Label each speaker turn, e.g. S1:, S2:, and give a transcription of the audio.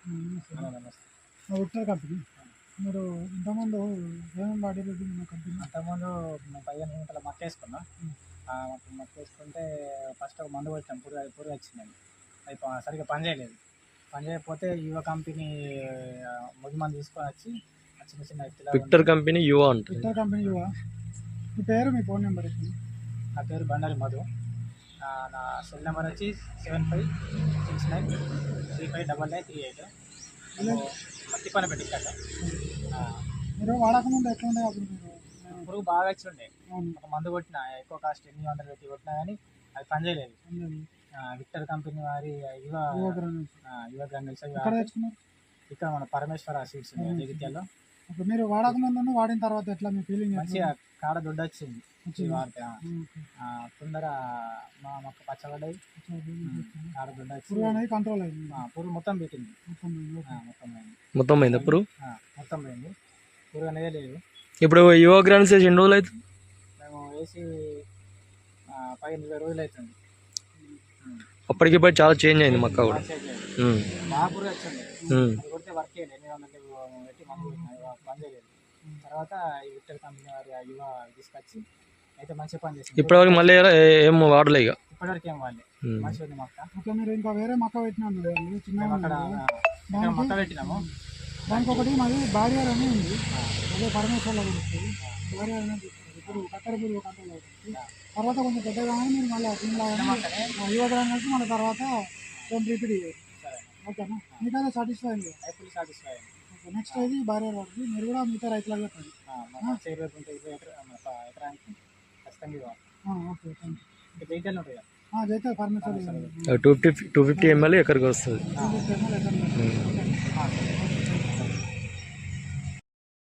S1: Victor company మీరు ఇంతకుముందు ఏమేమి వాడేది మన కంపెనీ?
S2: అంతకుముందు 15 గుంటల మక్క వేసుకున్నాం. మక్క వేసుకుంటే ఫస్ట్ ఒక మందు కొట్టాం, పురుగు వచ్చిందండి. అది సరిగ్గా పని చేయకపోతే యువ కంపెనీ ముగి మందు తీసుకొని వచ్చి చిన్న చిన్న
S3: విక్టర్ కంపెనీ యువ అంటే
S1: విక్టర్ కంపెనీ యువ. మీ పేరు, మీ ఫోన్ నెంబర్?
S2: నా పేరు బండారి మధు. నా సెల్ నెంబర్ వచ్చి 7569359938. మట్టి పని పెట్టించాక
S1: మీరు వాడకముందు ఎట్లుండే? అప్పుడు మీరు
S2: పురుగు బాగా వచ్చి ఉండే, ఒక మందు కొట్టిన ఎక్కువ కాస్ట్ 800 పెట్టి కొట్టినా కానీ అది పని చేయలేదు. విక్టర్ కంపెనీ వారి యువ గ్రాన్యూల్స్ ఇక్కడ మన పరమేశ్వర సీడ్స్ జగిత్యాల్లో.
S1: ఇప్పుడు మీరు వాడకముందు వాడిన తర్వాత ఎట్లా మీ ఫీలింగ్?
S2: మంచిగా కాడ దొడ్డు వచ్చింది వాడితే. తొందర మా మొక్క పచ్చబడ్డాయి, కాడ దొడ్డు
S1: పురుగు అనేది కంట్రోల్ అయింది.
S2: పురుగు మొత్తం పెట్టింది,
S3: మొత్తం పోయింది పురుగు,
S2: మొత్తం పోయింది, పురుగు అనేది లేదు.
S3: ఇప్పుడు యువ గ్రాన్స్ వేసి ఎన్ని రోజులు అవుతుంది?
S2: మేము వేసి 15-20 రోజులు అవుతుంది.
S3: అప్పటికిప్పుడు చాలా చేంజ్ అయింది మొక్క కూడా.
S2: బాగా పురుగు వచ్చింది, కొడితే వర్క్ చేయండి 800 పెట్టి మందు పని చేయలేదు. తర్వాత ఈ విక్టర్ కంపెనీ వారి యువ తీసుకొచ్చి అయితే మంచిగా పని చేసింది.
S3: ఇప్పటివరకు మళ్ళీ ఏం వాడలే, ఇక
S2: ఇప్పటివరకు ఏం వాడలేదు, మంచిగా ఉంది మొక్క.
S1: ఓకే, మీరు ఇంకా వేరే మొక్క పెట్టినాము
S2: అక్కడ మొక్క పెట్టినాము.
S1: దానికి ఒకటి మాది బారియర్ అని ఉంది, అదే పరమేశ్వర్లో వస్తుంది. బారియర్ అనేది ఇప్పుడు కత్తెర పురుగు కంట్రోల్ అవుతుంది. తర్వాత కొంచెం పెద్దగా మీరు మళ్ళీ దీనిలాగానే యువ గ్రాన్యూల్స్ మళ్ళీ తర్వాత రిపీట్ చేయాలి. ఓకేనా? మీకైతే సాటిస్ఫై అయింది?
S2: ఫుల్ సాటిస్ఫై అయింది.
S1: ఓకే, నెక్స్ట్ ఇది బారియర్ వాడుతుంది. మీరు కూడా మిగతా రైతులకు చెప్పండి.
S2: ఎకరానికి ఖచ్చితంగా ఇవ్వాలి.
S1: Okay, thank
S2: you. జైత్యాలు ఉంటాయి కదా,
S1: జైతే పర్మిషన్
S3: 250 ml ఎక్కడికి వస్తుంది.